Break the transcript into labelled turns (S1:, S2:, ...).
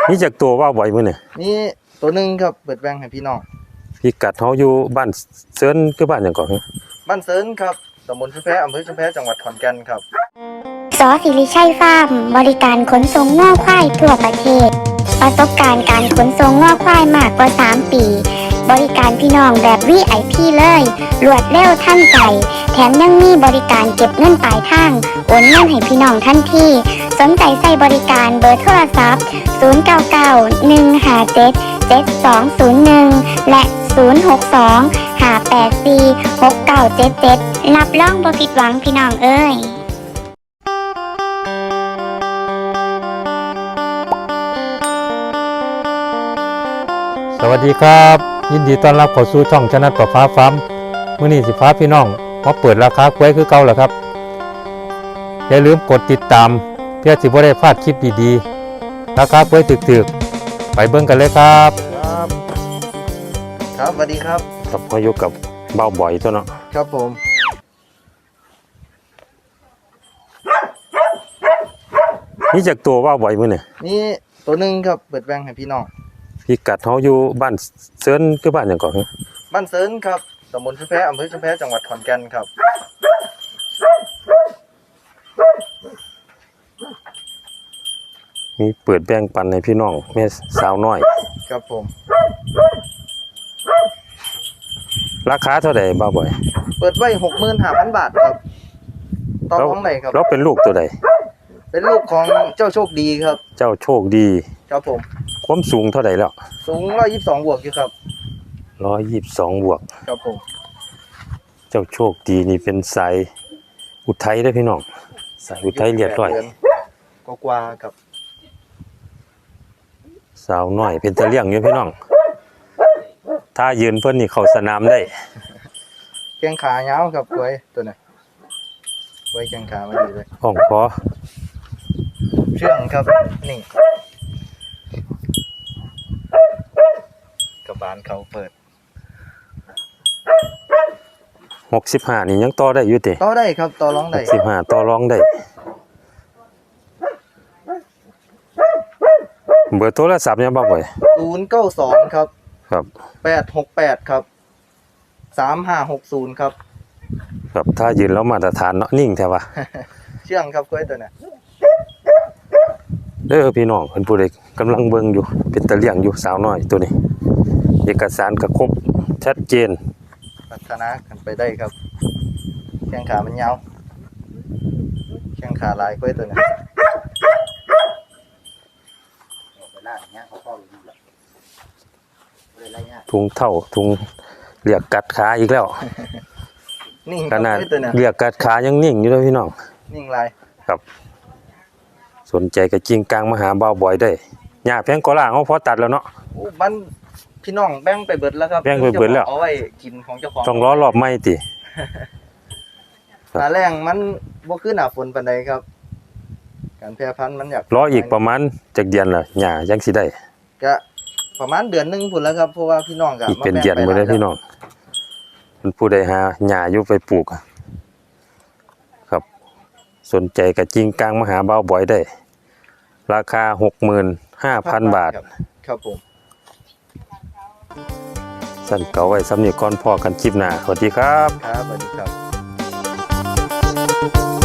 S1: นี่จากตัวว่าบ่อยมื้อนี่
S2: นี่ตัวหนึ่งครับเปิดแบงให้พี่น้อง
S1: พี่กัดเฮาอยู่บ้านเซินคือบ้านหยังก่อน
S2: บ้านเซินครับตำบลชุมแพอำเภอชุมแพจังหวัดขอนแก่นครับ
S3: สอศิริชัยฟาร์มบริการขนส่งง่อควายทั่วประเทศประสบการณ์การขนส่งง่อควายมากกว่า3 ปีบริการพี่น้องแบบ VIP เลยรวดเร็วทันใจแถมยังมีบริการเก็บเงินปลายทางโอนเงินให้พี่น้องทันทีสนใจใส่บริการเบอร์โทรศัพท์0991577201และ062-584-6977รับรองบ่ผิดหวังพี่น้องเอ้ย
S1: สวัสดีครับยินดีต้อนรับเข้าสู่ช่องชนะประฟ้าฟาร์มมื้อนี้สิฟ้าพี่น้องมาเปิดราคากล้วยคือเก่าแล้วครับอย่าลืมกดติดตามเพื่อสิบ่ได้พลาดคลิปดีๆราคากล้วยถึกๆไปเบิ่งกันเลยครับ
S2: ครับสวัสดีครับ
S1: ครับพออยู่กับเบาบ่อยตัวเนาะ
S2: ครับผม
S1: นี่จากตัวว่าบ่อยมื้อนี่
S2: นี่ตัวหนึ่งครับเปิดแบงให้พี่น้อง
S1: พี่กัดเฮาอยู่บ้านเซินคือบ้านหยังก่อน
S2: บ้านเซินครับตำบลชุมแพอำเภอชุมแพจังหวัดขอนแก่นครับ
S1: มีเปิดแบ่งปันให้พี่น้องแม่สาวน้อย
S2: ครับผม
S1: ราคาเท่าใดบ่บ่อย
S2: เปิดไว้ 65,000 บาทครับต่อรองได้ครับ
S1: แล้วเป็นลูกตัวใด
S2: เป็นลูกของเจ้าโชคดีครับ
S1: เจ้าโชคดี
S2: ครับผม
S1: ความสูงเท่าใดแล้ว
S2: สูง122บวกอยู่ครับ
S1: 122บวก
S2: ครับผม
S1: เจ้าโชคดีนี่เป็นสายอุทัยเด้อพี่น้องสายอุทัยเรียบร้อย
S2: กว่าครับ
S1: สาวน้อยเป็นตะเลี่ยงอยู่พี่น้องถ้ายืนเพิ่นนี่เข้าสนามได้
S2: แข้งขายาวครับกล้วยตัวนี้กล้วยแข้งขามาดีเลย
S1: ห้องคอ
S2: เชื่องครับนี่กระบาลเขาเปิด
S1: 65นี่ยังต่อได้อยู่ติ
S2: ต่อได้ครับต่อรองได้
S1: 65ต่อรองได้เบอร์โทรศัพท์ยังบ่บ่อย
S2: 092ครับ
S1: ครับ
S2: 868ครับ3560ครับ
S1: ครับถ้ายืนแล้วมาตรฐานเนาะนิ่งแท้ว่า
S2: เชื่องครับกล้วยตัวนี้
S1: เด้อพี่น้องเพิ่นผู้ใดกำลังเบิ่งอยู่เป็นตะเลี่ยงอยู่สาวน้อยตัวนี้เอกสารก็ครบชัดเจน
S2: พัฒนากันไปได้ครับแข้งขามันยาวแข้งขาลายกล้วยตัวนี้
S1: ถุงเท่าถุงเรียกกัดขาอีกแล้ว
S2: นิ่ง
S1: ขนาดเรียกกัดขายังนิ่งอยู่เลยพี่น้อง
S2: นิ่งลาย
S1: ครับสนใจกับจริงกลางมาหาเบาบ่อยได้หญ้าแพงกอล่างเขาพอตัดแล้วเนาะ
S2: มันพี่น้องแบ่งไปเบิดแล้วครับ
S1: แบ่งไปเบิดแล้ว
S2: เอาไว้กินของเจ้าของ
S1: ต้องรอรอบใหม่ติ
S2: หน้าแรงมันบ่คือหน้าฝนปานใดครับการแพร่พันธุ์มันอยาก
S1: รออีกประมาณจักเดือนล่ะหญ้ายังสิได้
S2: ก็ประมาณเดือนนึงพุ่นแล้วครับเพราะว่าพี่น้องก็
S1: อีกเป็นเดือนบ่ได้พี่น้องมันผู้ใดหาหญ้าอยู่ไปปลูกครับสนใจกับจริงกลางมาหาเบาบ่อยได้ราคา 65,000 บาท
S2: ครับผม
S1: สั่นเก่าไว้สำเนียก่อนพอกันคลิปหน้าสวัสดีครับ
S2: ครับสวัสดีครับ